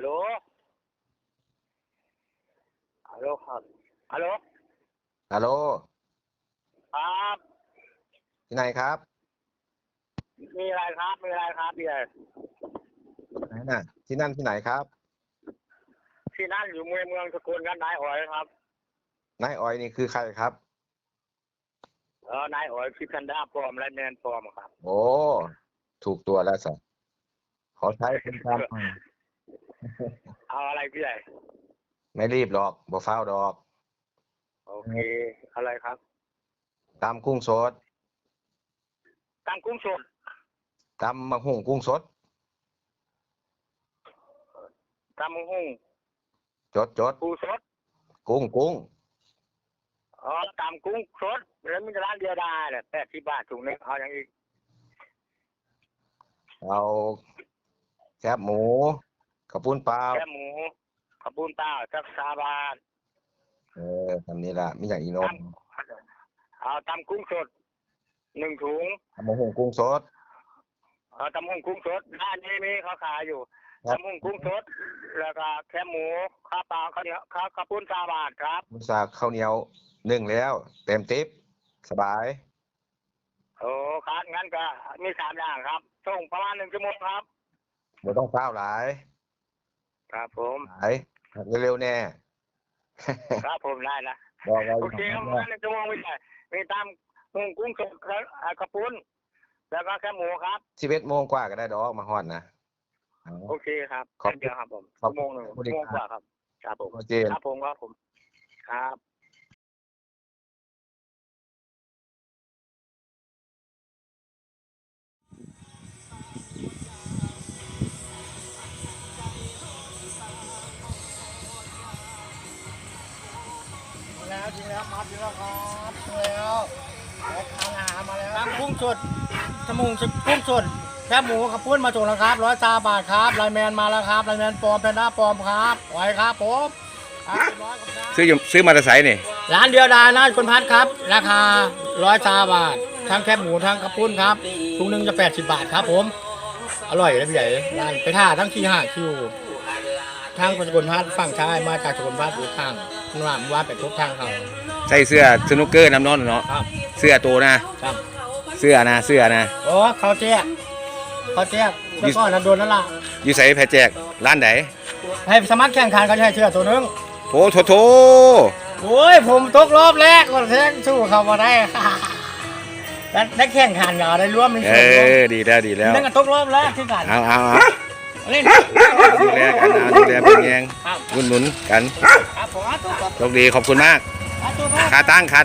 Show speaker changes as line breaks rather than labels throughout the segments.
ลฮัลโหลครับฮัลโหล
ฮัลโหล
ครับ
ที่ไหนครับ
มีอะไรครับมีอะไรครับพี่
ไหนน่ะที่นั่นที่ไหนครับ
ที่นั่นอยู่เมืองสกลกันนายอ๋อยครับ
นายออยนี่คือใครครับ
นายอ๋อยพิคันดาปลอมและแมนปลอมครับ
โอ้ถูกตัวแล้วสิขอใช้เป็นคำ
เอาอะไรพี่ใหญ่
ไม่รีบหรอกบ่ฟ้าวดอก
โอเคอะไรครับ
ตำกุ้งสด
ตามกุ้งสด
ตำมะฮุ่งกุ้งสด
ตามหุ้ง
จด
ปูสด
กุ้ง
ตามกุ้งสดแล้วมีร้านเดียวได้แหละ80 บาทถุงนึงเอาอย่างอีก
เอาแคบหมูกระปุ้นเปล่า
แค่หมูขบุนเต้าสัก3 บาท
ทำนี้ละมีอย่างอีโนม
เอาตามกุ้งสด1 ถุง
ตำมะฮุ่งกุ้งสด
ตำหุ้งกุ้งสดร้านนี้มีเขาขายอยู่ตำหุ้งกุ้งสดแล้วก็แค่หมูข้าวเปล่าข้าวเหนียวข้าวปุ้น3 บาทครับ
มุสาข้าวเหนียวนึ่งแล้วเต็มติ๊บสบาย
โอ้ครับงั้นก็มี3 อย่างครับส่งประมาณ1 ชั่วโมงครับ
บ่ต้องฟ้าวหลาย
ครับผม
หลายเร็วๆแน่
ครับผมได้นะ
บอกไว้
โอเคประมาณ1 ชั่วโมงไม่ใช่มีตามหุ้งกุ้งสดข้าวปุ้นแล้วก็แค่หมูครับ
11 โมงกว่าก็ได้ดอกมาฮอดนะ
โอเคครับเดียวครับผม1 ชั่วโมงกว่าครับครับผมครับผมครับ
แล้วจริงแล้วครับจริงแล้วครับจริงแล้วทานอาหารมาแล้วตามกุ้งสดจมูกกุ้งสดแค่หมูขับปุ้นมาส่งแล้วครับ100 บาทครับไลแมนมาแล้วครับไลแมนปลอมแพนด้าปลอมครับไหวครับผม
ซื้อมาแต่ไสนี่
ร้านเดียวดายนะคุณพัดครับราคา100 บาททั้งแคบหมูทั้งขับปุ้นครับถุงนึงจะ80 บาทครับผมอร่อยนะพี่ใหญ่ร้านไปท่าทั้งที่5 คิวทางสกลพัดฝั่งซ้ายมาจากสกลพัดอยู่ข้างว่าไปทุกทางเขา
ใส่เสื้อสนุกเกอร์น้ำนอนเนาะเสื้อตัวนะครับเสื้อนะ
โอ้เขาแจ๊กแล้วก็นันโดนนั่นล่ะ
อยู่ใส่แพแจกร้านไหน
ให้สมัครแข่งขันเขาใช้เสื้อตัวนึง
โถ
โอ้ยผมตกรอบแรกก็แข่งสู้เขามาได้ได้แข่งขันเหรอได้ร่วมในส่วน
ดีแล้ว
นั่นก็ตกรอบแรกที่กัน
เอา
เล่น
ดูแลกันดูแลเป็นแยงหนุนกันโชคดีขอบคุณมากขาตั้ง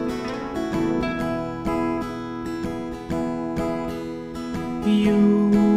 อยู่